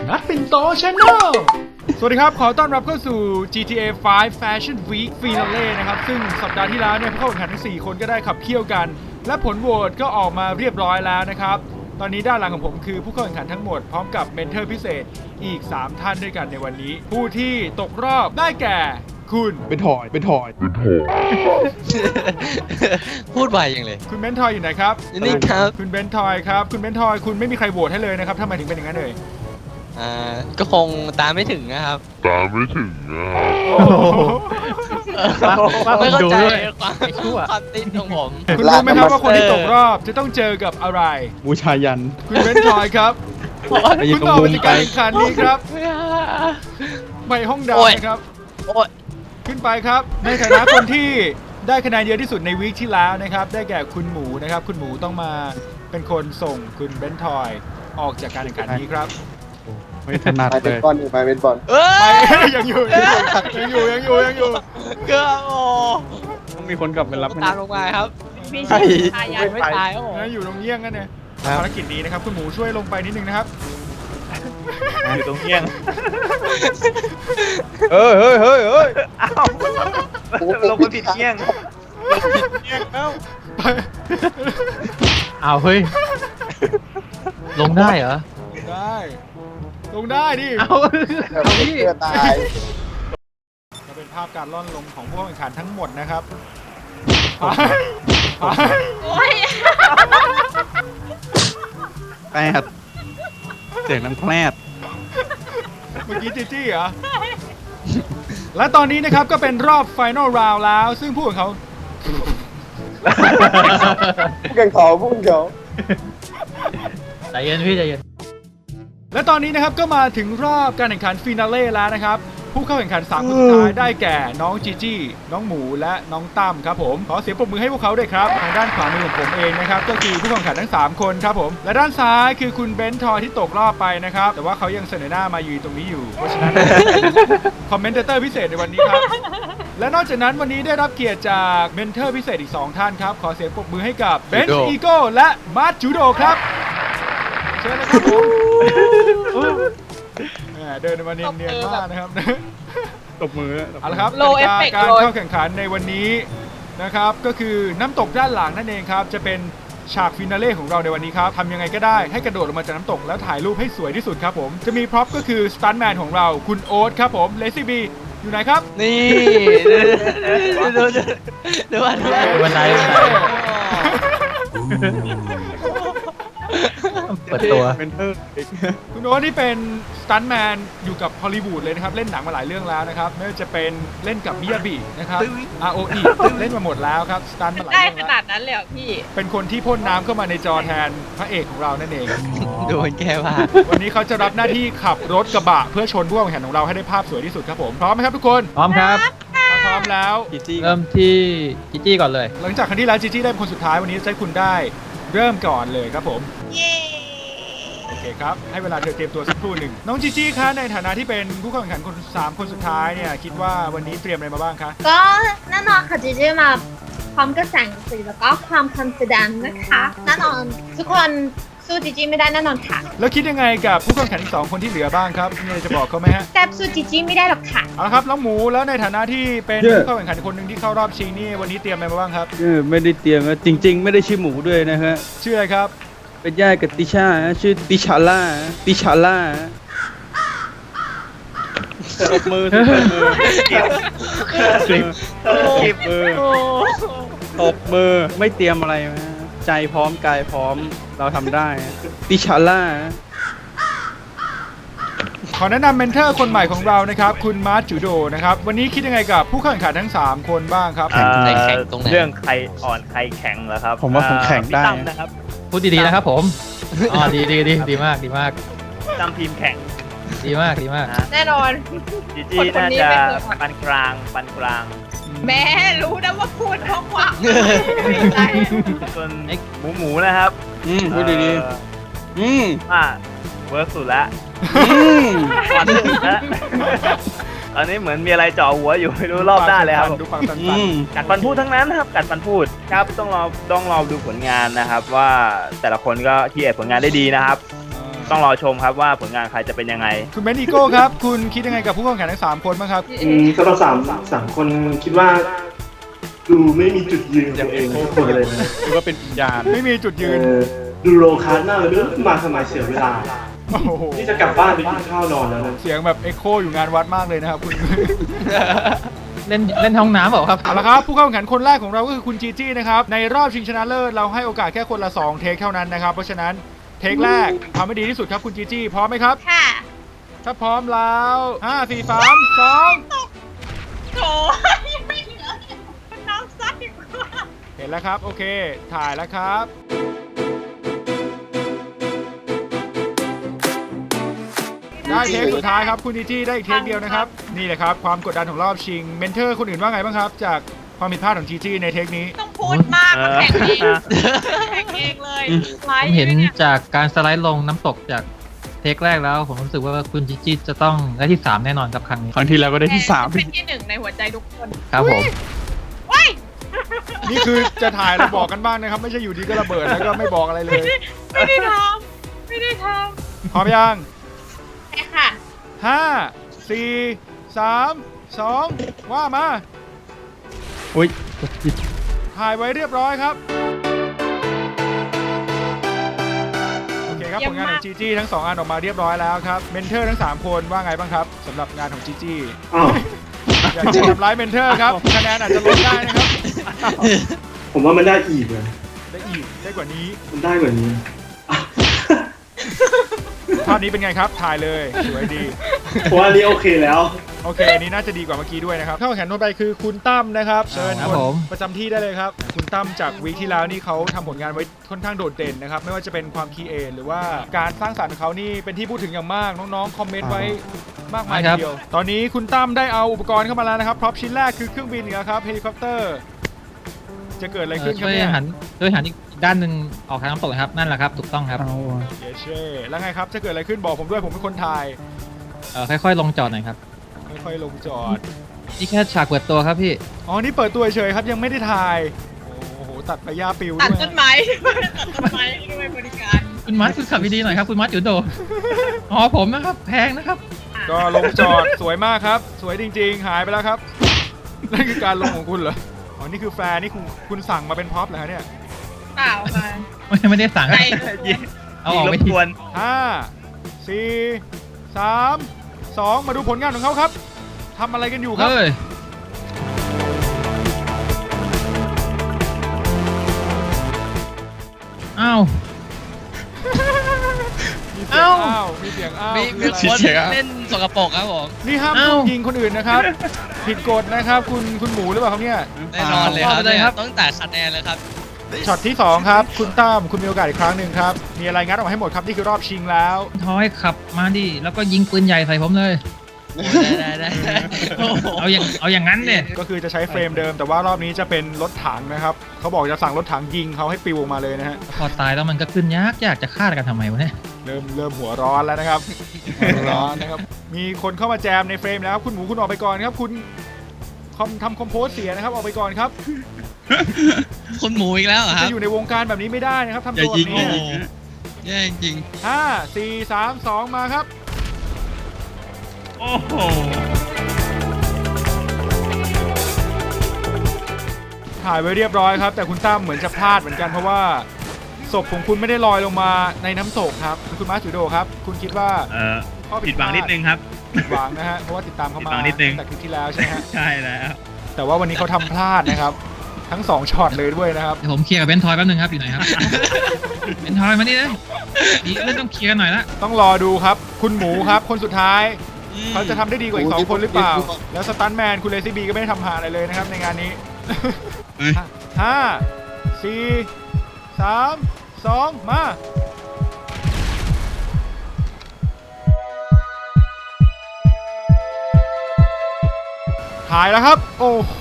นัดปิ่นโต Channel สวัสดีครับขอต้อนรับเข้าสู่ GTA 5 Fashion Week Finale นะครับซึ่งสัปดาห์ที่แล้วเนี่ยผู้เข้าแข่งขันทั้ง4คนก็ได้ขับเคี่ยวกันและผลโหวตก็ออกมาเรียบร้อยแล้วนะครับตอนนี้ด้านหลังของผมคือผู้เข้าแข่งขันทั้งหมดพร้อมกับเมนเทอร์พิเศษอีก3ท่านด้วยกันในวันนี้ผู้ที่ตกรอบได้แก่คุณเป็นถอยพูดไวอย่างเลยคุณเบนทอยอยู่ไหนครับนี่ครับคุณเบนทอยครับคุณเบนทอยคุณไม่มีใครโหวตให้เลยนะครับทำไมถึงเป็นอย่างนั้นเลยก็คงตามไม่ถึงนะครับ ไม่เข้าใจความติดของผมคุณรู้ไหมครับว่าคนที่ตกรอบจะต้องเจอกับอะไรบูชายันคุณเบนทอยครับไปยิงคุณตรงต่อมุไปมในไปการแข่งขันนี้ครับไปห้องดาวนะครับโอ้ยขึ้นไปครับในฐานะคนที่ได้คะแนนเยอะที่สุดในวีคที่แล้วนะครับได้แก่คุณหมูนะครับคุณหมูต้องมาเป็นคนส่งคุณเบนทอยออกจากการแข่งขันนี้ครับไม่ถนัดไปเลเป็นยบอลไปเป็นบอลเอ้ไปยยังอยู่เกือบโอ้ต้องมีคนกลับไปรับตามลงมาครับพี่ใช่ชายยันไม่ตายครับผมนะอยู่ตรงเงี้ยงกันเนี่ยภารกิจนี้นะครับคุณหมูช่วยลงไปนิดนึงนะครับอยู่ตรงเงี้ยงเฮ้ยอ้าวลงไปผิดเงี้ยงไปอ้าวเฮ้ย ลงได้เหรอได้ลงได้ดิเอาเพื่อตายก็เป็นภาพการล่อนลงของผู้แข่งขันทั้งหมดนะครับไปโอ้ยแปดเสียงน้ำแคลดเมื่อกี้จีจี้เหรอ และตอนนี้นะครับก็เป็นรอบไฟนอลราวแล้ว ซึ่งผู้ของเขาผู้แข่งขอผู้แข่งขอใจเย็นพี่ใจเย็นและตอนนี้นะครับก็มาถึงรอบการแข่งขันฟินาเล่แล้วนะครับผู้เข้าแข่งขัน3คนสุดท้ายได้แก่น้องจีจี้น้องหมูและน้องตั้มครับผมขอเสียงปรบมือให้พวกเขาด้วยครับทางด้านขวามือของผมเองนะครับก็คือผู้แข่งขันทั้ง3คนครับผมและด้านซ้ายคือคุณเบนทอยที่ตกรอบไปนะครับแต่ว่าเขายังเสนอหน้ามาอยู่ตรงนี้อยู่เพราะฉะนั้น คอมเมนเตอร์พิเศษในวันนี้ครับ และนอกจากนั้นวันนี้ได้รับเกียรติจากเมนเทอร์พิเศษอีก2ท่านครับขอเสียงปรบมือให้กับเบนซ์อีโก้และมาร์ทจูโดครับเชิญเลยครับผมแหมเดินมาเนียนๆมากนะครับตบมือเอาละครับโลเอฟเฟกต์การโลเข้าแข่งขันในวันนี้นะครับก็คือน้ำตกด้านหลังนั่นเองครับจะเป็นฉากฟินาเล่ของเราในวันนี้ครับทำยังไงก็ได้ให้กระโดดลงมาจากน้ำตกแล้วถ่ายรูปให้สวยที่สุดครับผมจะมีพร็อพก็คือสตันท์แมนของเราคุณโอ๊ตครับผมเลซี่บีอยู่ไหนครับนี่ดูว่าบันไดเปิดตัวเป็นเธอคุณโอ๊ตที่เป็นสตันท์แมนอยู่กับฮอลลีวูดเลยนะครับเล่นหนังมาหลายเรื่องแล้วนะครับไม่ว่าจะเป็นเล่นกับมิยาบินะครับ ROE เล่นมาหมดแล้วครับสตันท์มาหลายได้เรื่องขแล้วนาดนั้นเลยเหรอพี่เป็นคนที่พ่นน้ำเข้ามาในจอแทนพระเอกของเรานั่นเองดูมันแก้ผ้าวันนี้เขาจะรับหน้าที่ขับรถกระบะเพื่อชนผู้แข่งขันของเราให้ได้ภาพสวยที่สุดครับผมพร้อมไหมครับทุกคนพร้อมครับถ้าพร้อมแล้วจีจี้เริ่มที่จิจี้ก่อนเลยหลังจากครั้งที่แล้วจีจี้ได้เป็นคนสุดท้ายวันนี้จะให้คุณได้เริ่มก่อนเลยครับผมเย้โอเคครับให้เวลาเธอเตรียมตัวสักครู่หนึ่งน้องจีจี้คะในฐานะที่เป็นผู้เข้าแข่งขันคน3คนสุดท้ายเนี่ยคิดว่าวันนี้เตรียมอะไรมาบ้างคะก็แน่นอนค่ะจีจีมาพร้อมกับแสงสีแล้วก็ความคอนฟิเดนซ์นะคะแน่นอนทุกคนสู้จีจีไม่ได้แน่นอนค่ะแล้วคิดยังไงกับผู้เข้าแข่งขันอีก2คนที่เหลือบ้างครับมีอะไรจะบอกเขาไหมฮะแต่สู้จีจีไม่ได้หรอกค่ะเอาละครับน้องหมูแล้วในฐานะที่เป็นผู้เข้าแข่งขันคนหนึ่งที่เข้ารอบชิงนี่วันนี้เตรียมอะไรมาบ้างครับไม่ได้เตรียมนะจริง ๆ ไม่ได้ชื่อหมูด้วยนะฮะชื่ออะไรครับเป็นญาติกับติชาชื่อติชาล่าตบมือตบมือตบมือไม่เตรียมอะไรนะใจพร้อมกายพร้อมเราทำได้ติชาล่าขอแนะนำเมนเทอร์คนใหม่ของเรานะครับคุณมาร์ทจูโดนะครับวันนี้คิดยังไงกับผู้เข้าแข่งขันทั้ง3คนบ้างครับเรื่องใครอ่อนใครแข็งเหรอครับผมว่าผมแข็งได้พี่ตั้มนะครับพูดดีๆนะครับผม อ๋อดีมากดีมากพี่ตั้มทีมแข็งดีมากดีมากนะแน่นอนจีจี้คนน่านี้จะไม่เคยอ่อนปานกลางแม่รู้นะว่าพูดเพราะว่าไม่เป็นไรส่วนหมูนะครับพูดดีเอ่อๆว่าเวิร์กสุดละ วันสุดละตอนนี้เหมือนมีอะไรเจ่อหัวอยู่ไม่รู้รอบด้านเลยครับดูปากตันกัดฟันพูดทั้งนั้นครับกัดฟันพูดครับต้องรอดูผลงานนะครับ ว่าแต่ละคนก็ที่เอดผลงานได้ดีนะครับๆต้องรอชมครับว่าผลงานใครจะเป็นยังไงคุณเบนอีโก้ครับ คุณคิดยังไงกับผู้เข้าแข่งขันทั้ง3คนบ้างครับสำหรับสามคนคิดว่า ดูไม่มีจุดยืนของตัวเองทุกคนเลยนะหรือว่าเป็นวิญญาณไม่มีจุดยืนดูโลคัสมากเลยไม่รู้มาทำไมเสียเวลาโอ้โหนี่จะกลับบ้านไปกินข้าวนอนแล้วนะเสียงแบบเอ็กโคอยู่งานวัดมากเลยนะครับคุณเล่นห้องน้ำเปล่าครับเอาละครับผู้เข้าแข่งขันคนแรกของเราก็คือคุณจีจี้นะครับในรอบชิงชนะเลิศเราให้โอกาสแค่คนละ2เทคเท่านั้นนะครับเพราะฉะนั้นเทคแรกทำให้ดีที่สุดครับคุณจีจี้พร้อมไหมครับค่ะถ้าพร้อมแล้ว5 4 3 2 โถยังไม่เหลือน้องซัดอีกว่าเห็นแล้วครับโอเคถ่ายแล้วครับได้เทคสุดท้ายครับคุณจีจี้ได้อีกเทคเดียวนะครับนี่แหละครับความกดดันของรอบชิงเมนเทอร์คนอื่นว่าไงบ้างครับจากความผิดพลาดของจีจี้ในเทคนี้ต้องพูดมากมาแข่งเองแข่งเองเลยไลผมฟ์เห็นเนี่ยจากการสไลด์ลงน้ำตกจากเทคแรกแล้ว ผมรู้สึกว่าคุณจิจิจะต้องได้ที่ 3 แน่นอนกับครั้งนี้ครั้งที่แล้วก็ได้ที่เป็นที่ 1 ในหัวใจทุกคนครับผมว้ายนี่คือจะถ่ายแล้วบอกกันบ้างนะครับไม่ใช่อยู่ดีก็ระเบิดแล้วก็ไม่บอกอะไรเลยไม่ได้ทำไม่ได้ทพร้อมยังใช่ค่ะ 5 4 3 2 ว่ามาอุ้ยกดผิดถ่ายไว้เรียบร้อยครับ โอเคครับผลงานของจีจี้ทั้ง 2 อันออกมาเรียบร้อยแล้วครับเมนเทอร์ทั้ง 3 คนว่าไงบ้างครับสำหรับงานของจีจี้อ้าวอยากจะทำร้ายเมนเทอร์ครับคะแนนอาจจะลดได้นะครับผมว่ามันได้อีกเลยได้อีกได้กว่านี้มันได้กว่านี้ภาพนี้เป็นไงครับถ่ายเลยสวยดีเพราะว่าอันนี้โอเคแล้วโอเคอันนี้น่าจะดีกว่าเมื่อกี้ด้วยนะครับเข้าแข่งขันต่อไปคือคุณตั้มนะครับเชิญครับคนผมประจำที่ได้เลยครับคุณตั้มจากวีคที่แล้วนี่เขาทำผลงานไว้ค่อนข้างโดดเด่นนะครับไม่ว่าจะเป็นความคีเอทหรือว่าการสร้างสรรค์ของเขานี่เป็นที่พูดถึงอย่างมากน้องๆคอมเมนต์ไว้มากมายทีเดียวตอนนี้คุณตั้มได้เอาอุปกรณ์เข้ามาแล้วนะครับพร็อพชิ้นแรกคือเครื่องบินครับเฮลิคอปเตอร์จะเกิดอะไรขึ้นครับช่วยเนี่ยหันอีกด้านหนึ่งออกทางน้ำตกนะครับ นั่นแหละครับ ถูกต้องครับเอาอะเยเช่แล้วไงครับจะเกิดอะไรขึ้นบอกผมด้วยผมเป็นคนถ่ายค่อยๆ ลงจอดหน่อยครับค่อยๆลงจอดนี่แค่ฉากเปิดตัวครับพี่อ๋อนี่เปิดตัวเฉยๆครับยังไม่ได้ถ่ายโอ้โหตัดไปย่าปิวำตัดด้วยต้นไม้ตัดต้นไม้ด้วยบริการคุณมัดคุณขับดีๆหน่อยครับคุณมัดอยู่โดอ๋อผมนะครับแพงนะครับก็ลงจอดสวยมากครับ สวยจริงๆ หายไปแล้วครับนั่นคือการลงของคุณเหรออ๋อนี่คือแฟร์นี่คุณสั่งมาเป็นพ็อปเหรอฮะเนี่ยเปล่าค่ะไม่ได้สั่งใจเอายิอง อกรไปบทีกวน 5 4 3 2 มาดูผลงานของเขาครับทำอะไรกันอยู่ครับเฮ้ย อ้าวมีเสียงอ้าวมีเสียงอ้าวมีคืออะไรคนเล่นสกปรกครับผมนี่ห้ามอ้าวยิงคนอื่นนะครับ ผิดกฎนะครับคุณหมูหรือเปล่าครับเนี่ยแน่นอนเลยครับเอาไปเลยครับต้องแต่คะแนนเลยครับช็อตที่ 2 ครับ คุณตั้มคุณมีโอกาสอีกครั้งหนึ่งครับ มีอะไรงัดออกมาให้หมดครับ นี่คือรอบชิงแล้วทอยขับมาดิ แล้วก็ยิงปืนใหญ่ใส่ผมเลยได้โอ้โหเอาอย่างนั้นเนี่ยก็คือจะใช้เฟรมเดิม แต่ว่ารอบนี้จะเป็นรถถังนะครับ เขาบอกจะสั่งรถถังยิงเขาให้ปิวออกมาเลยนะฮะพอตายแล้วมันก็ขึ้นยากจะฆ่ากันทำไมวะเนี่ยเริ่มหัวร้อนแล้วนะครับ หัวร้อนนะครับ มีคนเข้ามาแจมในเฟรมแล้ว คุณหมูคุณออกไปก่อนครับ คุณทำคอมโพสเสียนะครับ ออกไปก่อนครับคุณหมูอีกแล้วเหรอครัจะบอยู่ในวงการแบบนี้ไม่ได้นะครับทำอย่าตัวแบยิงบโอ้นี้โหแย่จริง 5 4 3 2 มาครับโอ้โหถ่ายไว้เรียบร้อยครับ แต่คุณตั้มเหมือนจะพลาดเหมือนกันเพราะว่าศพของคุณไม่ได้ลอยลงมาในน้ำตกครับคุณมาสจูโดครับ คุณคิดว่า ข้อผิดหวังนิดนึงครับผิดหวังนะฮะเพราะว่าติดตามเขามาผิดหวังนิดนึงตั้งแต่คลิปที่แล้วใช่ไหมฮะใช่แล้วแต่ว่าวันนี้เขาทำพลาดนะครับ ทั้ง2ช็อตเลยด้วยนะครับเดี๋ยวผมเคลียร์กับเบนทอยแป๊บนึงครับอยู่ไหนครับ เบนทอยมานี่เลยดีเรื่องต้องเคลียร์กันหน่อยละต้องรอดูครับ คุณหมูครับ คนสุดท้ายๆเขาจะทำได้ดีกว่าอีก2คนหรือเปล่า แล้วสตันแมนคุณเลซี่บีก็ไม่ได้ทำหาอะไรเลยนะครับในงานนี้ 5 4 3 2 มา ถ่ายแล้วครับ โอ้โห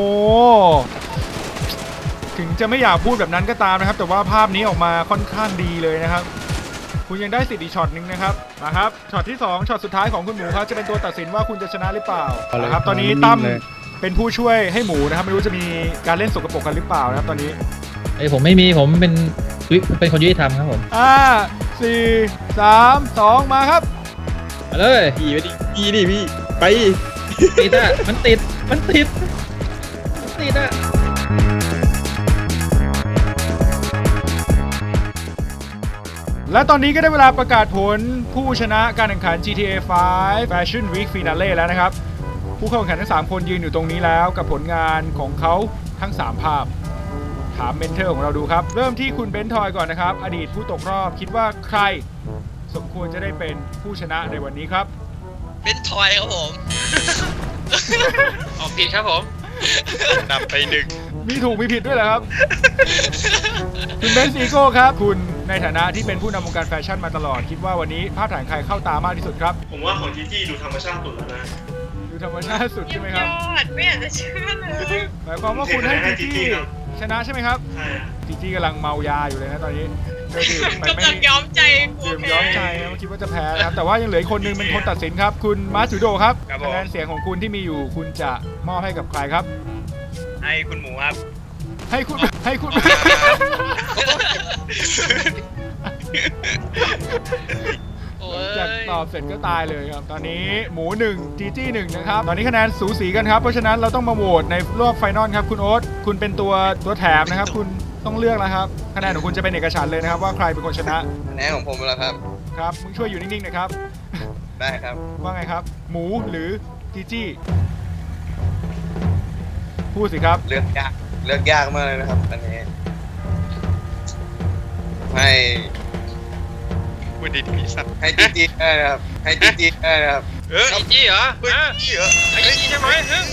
ถึงจะไม่อยากพูดแบบนั้นก็ตามนะครับ แต่ว่าภาพนี้ออกมาค่อนข้างดีเลยนะครับ คุณยังได้สิทธิ์อีกช็อตหนึงนะครับนะครับช็อตที่2ช็อตสุดท้ายของคุณหมูครับจะเป็นตัวตัดสินว่าคุณจะชนะหรือเปล่านะครับตอนนี้ตั้มเป็นผู้ช่วยให้หมูนะครับไม่รู้จะมีการเล่นสกปรกกันหรือเปล่านะครับตอนนี้ผมไม่มีผมเป็นคนยุติธรรมครับผม 4 3 2 มาครับมาเลยพี่ไปดิพี่ดิพี่ไปติดอ่ะมันติดอ่ะและตอนนี้ก็ได้เวลาประกาศผลผู้ชนะการแข่งขัน GTA 5 Fashion Week Finale แล้วนะครับ ผู้เข้าแข่งขันทั้ง 3 คนยืนอยู่ตรงนี้แล้วกับผลงานของเขาทั้ง 3 ภาพ ถามเมนเทอร์ของเราดูครับ เริ่มที่คุณเบนทอยก่อนนะครับ อดีตผู้ตกรอบคิดว่าใครสมควรจะได้เป็นผู้ชนะในวันนี้ครับเป็นทอยครับผมออกผิดครับผมนำไป1 มีถูกมีผิดด้วยเหรอครับ คุณเบนซีโก้ครับ คุณในฐานะที่เป็นผู้นำวงการแฟชั่นมาตลอด คิดว่าวันนี้ภาพถ่ายใครเข้าตามากที่สุดครับผมว่าของจีจี้ดูธรรมชาติสุดแล้วนะดูธรรมชาติสุดใช่ไหมครับยอดไม่อยากจะเชื่อเลยหมายความว่าคุณให้จีจี้ครับชนะใช่ไหมครับใช่อะจีจี้กำลังเมายาอยู่เลยนะตอนนี้เธอดื่มไปไม่กำลังย้อมใจกลัวดื่มแพ้ย้อมใจนะคิดว่าจะแพ้นะครับแต่ว่ายังเหลืออีกคนนึงเป็นคนตัดสินครับ คุณมาร์จูโดครับครับผมคะแนนเสียงของคุณที่มีอยู่คุณจะมอบให้กับใครครับให้คุณหมูครับให้คุณโอ้จากยตอบเสร็จก็ตายเลยครับ ตอนนี้หมู1จีจี้1นะครับ ตอนนี้คะแนนสูสีกันครับ เพราะฉะนั้นเราต้องมาโหวตในรอบไฟนอลครับคุณโอ๊ตคุณเป็นตัวแถมนะครับ คุณต้องเลือกแล้วครับคะแนนของคุณจะเป็นเอกฉันท์เลยนะครับว่าใครเป็นคนชนะคะแนนของผมแล้วครับครับมึงช่วยอยู่นิ่งๆนะครับได้ครับว่าไงครับ หมูหรือจีจี้พูดสิครับเลือกยากมากเลยนะครับอันนี้ให้พูดดีๆสัตว์ให้จีได้นะครับให้จีได้นะครับจีเหรอจีเหรอไอ้จีใช่ไหม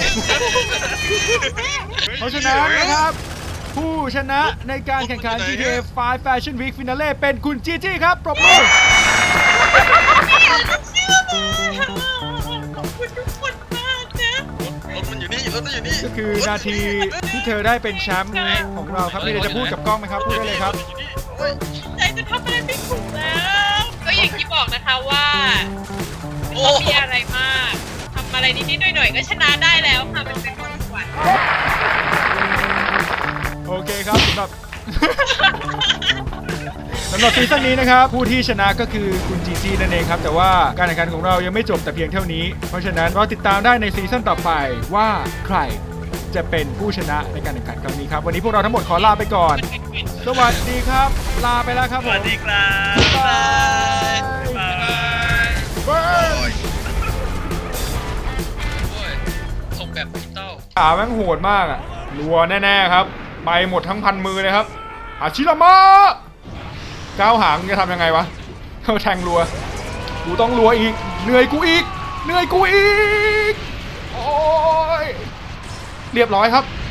เพราะฉะนั้นนะครับ ผู้ชนะในการแข่งขัน GTA 5 Fashion Week Finale เป็นคุณจีจี้ครับปรบมือขอบคุณทุกคนมากนะรถมันอยู่นี่รถมันอยู่นี่ก็คือนาทีที่เธอได้เป็นแชมป์ของเราครับมีอะไรจะพูดกับกล้องไหมครับ พูดได้เลยครับใจจะทำอะไรไม่ถูกแล้ว ก็อย่างที่บอกนะคะว่าไม่ต้องมีอะไรมากทำอะไรนิดๆหน่อยๆก็ชนะได้แล้วค่ะมันเป็นความฝันโอเคครับสำหรับ สำหรับซีซั่นนี้นะครับผู้ที่ชนะก็คือคุณจีจีนั่นเองครับแต่ว่าการแข่งขันของเรายังไม่จบแต่เพียงเท่านี้เพราะฉะนั้นรอติดตามได้ในซีซั่นต่อไปว่าใครจะเป็นผู้ชนะในการแข่งขันครั้งนี้ครับวันนี้พวกเราทั้งหมดขอลาไปก่อน สวัสดีครับ ลาไปแล้วครับสผมวัสดีครับบ๊ายบายบ๊ายบายบ๊ายบายส่งแบบดิจิตอลขาแม่งโหดมากอะรัวแน่ๆครับไปหมดทั้งพันมือเลยครับอาชิรามะก้าวหางจะทำยังไงวะเขาแทงรัวกูต้องรัวอีกเหนื่อยกูอีกโอ้ยเรียบร้อยครับ